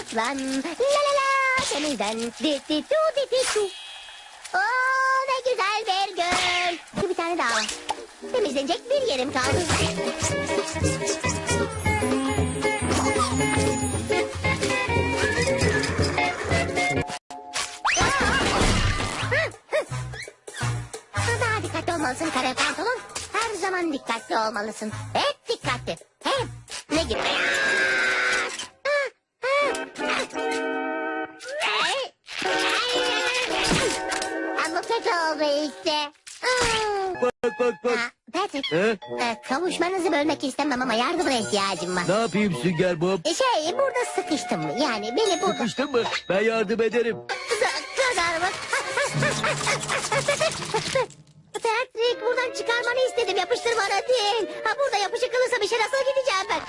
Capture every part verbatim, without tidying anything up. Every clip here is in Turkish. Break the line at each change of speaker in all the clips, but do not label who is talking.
aslan. La la la temizden. Di di du di di du. Oo, ne güzel bir göl. Bir tane daha var. Temizlenecek bir yerim kaldı. Daha dikkatli olmalısın kare pantolon. Her zaman dikkatli olmalısın. Hep dikkatli. Hep. Ne gibi? Ama kötü oldu işte.
Bak bak bak.
Ha, Patrick,
He?
e, kavuşmanızı bölmek istemem ama yardımına ihtiyacım var.
Ne yapayım Sünger Bob?
E, Şey, burada sıkıştım. Yani beni burada...
Sıkıştın mı? Ben yardım ederim.
Kadar mı? Patrick, buradan çıkarmanı istedim. Yapıştırmana değil. Ha, burada yapışık kalırsa bir şey nasıl gideceğim ben?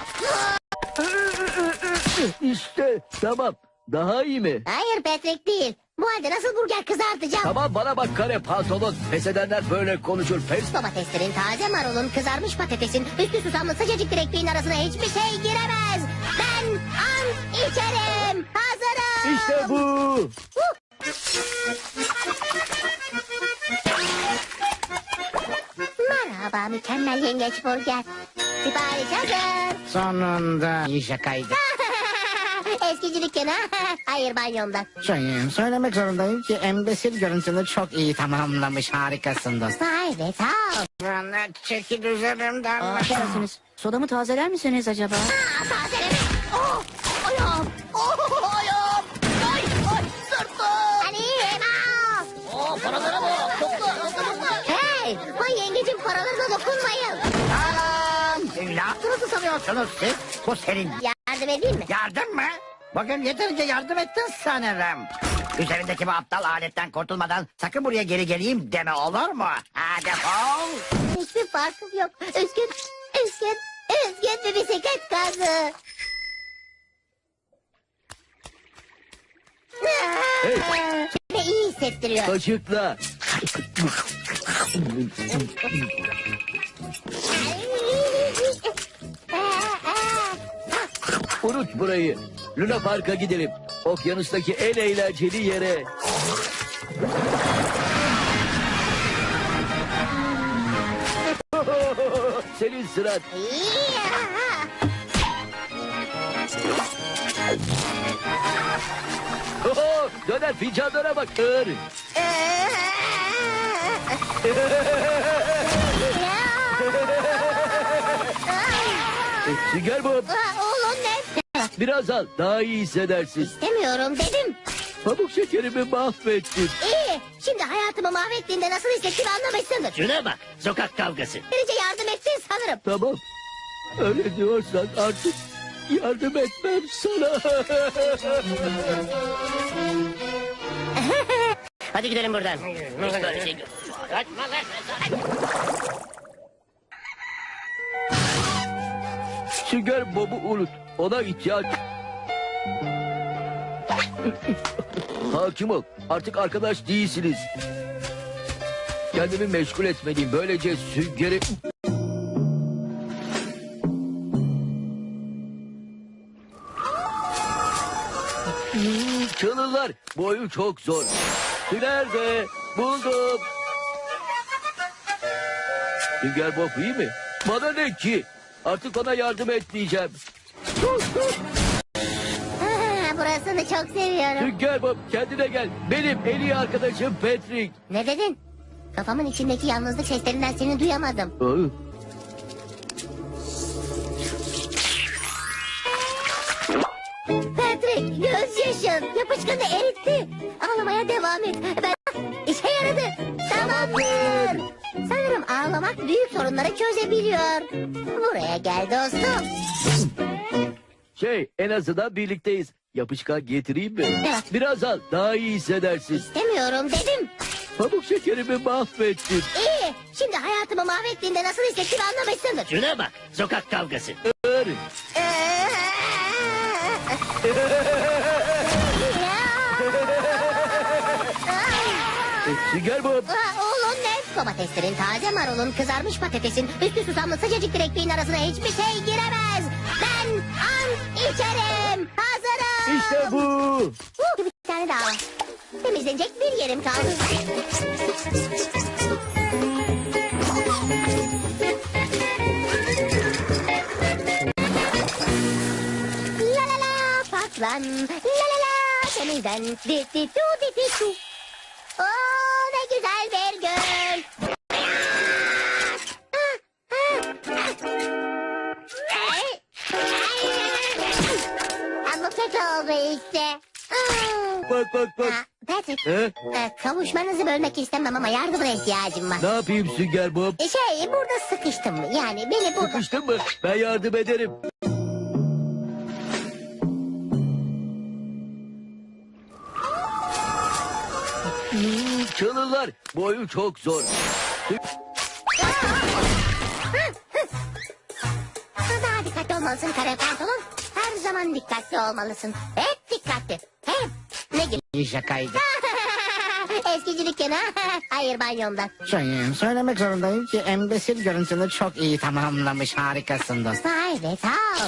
İşte tamam. Daha iyi mi?
Hayır Patrick değil. Bu halde nasıl burger kızartacağım?
Tamam bana bak kare pantolon. Pes edenler böyle konuşur. Pes.
Domateslerin, taze marulun, kızarmış patatesin, üstü susamlı sıcacık bir ekmeğin arasına hiçbir şey giremez. Ben ant içerim. Hazırım.
İşte bu.
Huh. Merhaba mükemmel yengeç burger. Sipariş hazır.
Sonunda iyi şakaydı.
Eskici dükkanı. Hayır banyomdan.
Şey, söylemek zorundayım ki embesil görüntünü çok iyi tamamlamış. Harikasın dostum.
Vay be sağ ol.
Bana çekil üzerimden.
Affedersiniz. Sodamı tazeler misiniz acaba?
Aa, tazeleme. Oh, ayağım. Oh, ayağım. Ay, ay, sırtım. Annem. Aa.
Oo, paralara bak. Topla, topla, topla.
Hey, vay yengecim paralarına dokunmayın.
Anam! Ne yaptığınızı sanıyorsunuz siz? Bu senin
Yardım edeyim mi?
yardım mı? Bugün yeterince yardım ettin sanırım. Üzerindeki bu aptal aletten kurtulmadan sakın buraya geri geleyim deme olur mu? Hadi defol.
Hiçbir farkım yok. Üzgün, üzgün, üzgün bir bisiklet gazı.
Hey.
Kendimi iyi hissettiriyor.
Kaşıkla. Unut burayı. Luna Park'a gidelim. Okyanustaki en eğlenceli yere. Senin sıran. Oho, döner fincanlara bak. Ör. Sünger Bob.
Oğlum ne?
Biraz al. Daha iyi hissedersin.
İstemiyorum dedim.
Pamuk şekerimi mahvettin.
İyi. Şimdi hayatımı mahvettiğinde nasıl hissettiğimi anlamışsındır.
Şuna bak. Sokak kavgası.
Böylece yardım ettin sanırım.
Tamam. Öyle diyorsan artık yardım etmem sana.
Hadi gidelim buradan. Hiç böyle şey yok. Kaçma lan.
Sünger Bob'u unut. Ona ihtiyaç... Hakim ol. Artık arkadaş değilsiniz. Kendimi meşgul etmeliyim. Böylece süngeri... Hmm, Çalırlar. Bu oyun çok zor. Nerede? Buldum. Sünger Bob iyi mi? Bana ne ki? Artık ona yardım etmeyeceğim.
Ha, burasını çok seviyorum.
Sünger Bob kendine gel. Benim en iyi arkadaşım Patrick.
Ne dedin? Kafamın içindeki yalnızlık seslerinden seni duyamadım.
Aa,
Patrick, gözyaşın yapışkanı eritti. Ağlamaya devam et. Ben... İşe yaradı. Tamamdır. Sanırım ağlamak büyük sorunları çözebiliyor. Buraya gel dostum.
Şey en azından birlikteyiz. Yapışkan getireyim mi?
Evet.
Biraz al daha iyi hissedersin.
İstemiyorum dedim.
Pamuk şekerimi mahvettin.
İyi. Şimdi hayatımı mahvettiğinde nasıl hissettiğimi anlamışsındır.
Şuna bak. Sokak kavgası.
Ör. Sünger Bob.
Aa, oğlum ne? Domateslerin, taze marulun, kızarmış patatesin, üstü susamlı sıcacık bir ekmeğin arasına hiçbir şey giremez. Ben ant içerim. Hazırım.
İşte bu. Uh,
Uh, bir tane daha var. Temizlenecek bir yerim kaldı. La la la patlan, la la la temizlen, di di du di di du. Oo, ne güzel bir göl. Ama kötü oldu işte.
bak bak bak.
Ha, Patrick,
He?
e, kavuşmanızı bölmek istemem ama yardımına ihtiyacım var.
Ne yapayım Sünger Bob?
E, Şey, burada sıkıştım. Yani beni burada...
Sıkıştın mı? Ben yardım ederim. Hmm, Çalılar. Bu oyun çok zor.
Daha dikkatli olmalısın kare pantolon. Her zaman dikkatli olmalısın. Hep dikkatli. Hep. Ne gibi?
İyi şakaydı.
Eskicilik yana. Hayır banyomdan.
Şey, söylemek zorundayım ki embesil görüntünü çok iyi tamamlamış. Harikasın dostum.
Vay be sağ ol.